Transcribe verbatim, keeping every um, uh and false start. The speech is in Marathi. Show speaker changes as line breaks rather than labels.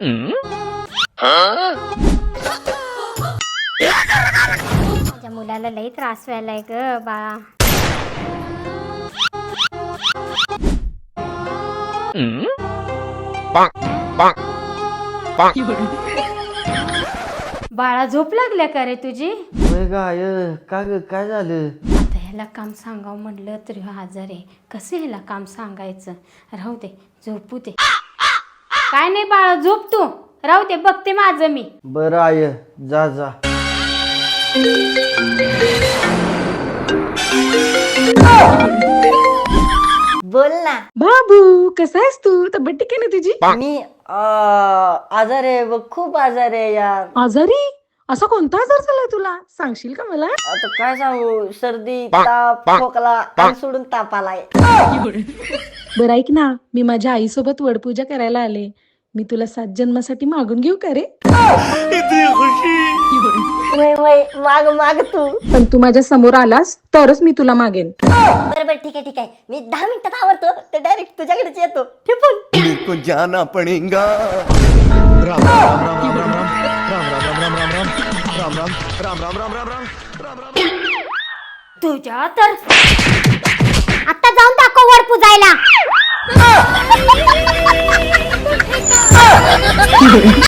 माझ्या मुलाला लई त्रास व्हायलाय ग बाळा. बाळा झोप लागल्या का रे तुझी?
गाय का ग काय झालं?
आता ह्याला काम सांगावं म्हणलं तरी आजार आहे. कसं ह्याला काम सांगायचं? राहू दे झोपू दे. काय नाही बाळा झोप तू. राहू दे बघते माझं मी.
बरं आय जा जा.
बोल ना
बाबू कसा आहेस तू? तब्येत ठीक आहे ना तुझी?
मी आजार आहे बघ, खूप आजार आहे यार.
आजारी? असा कोणता आजार झालाय तुला? सांगशील का मला?
आता काय सांगू, सर्दी ताप खोकला कान सोडून ताप आलाय.
बरं ऐक ना, मी माझ्या आईसोबत वडपूजा करायला आले. मी तुला सात जन्मासाठी मागून घेऊ का रे?
वय वय माग माग तू.
पण तू माझ्या समोर आलास तरच मी तुला मागेन.
बरं बरं ठीक आहे ठीक आहे, मी दहा मिनिटात आवरतो ते डायरेक्ट तुझ्याकडेच येतो. ठिपून
को जाना पड़ेगा. राम राम राम राम राम राम राम राम राम राम राम राम राम राम राम राम.
तुझ्या तर आता जाऊन दाखव वर पुजायला.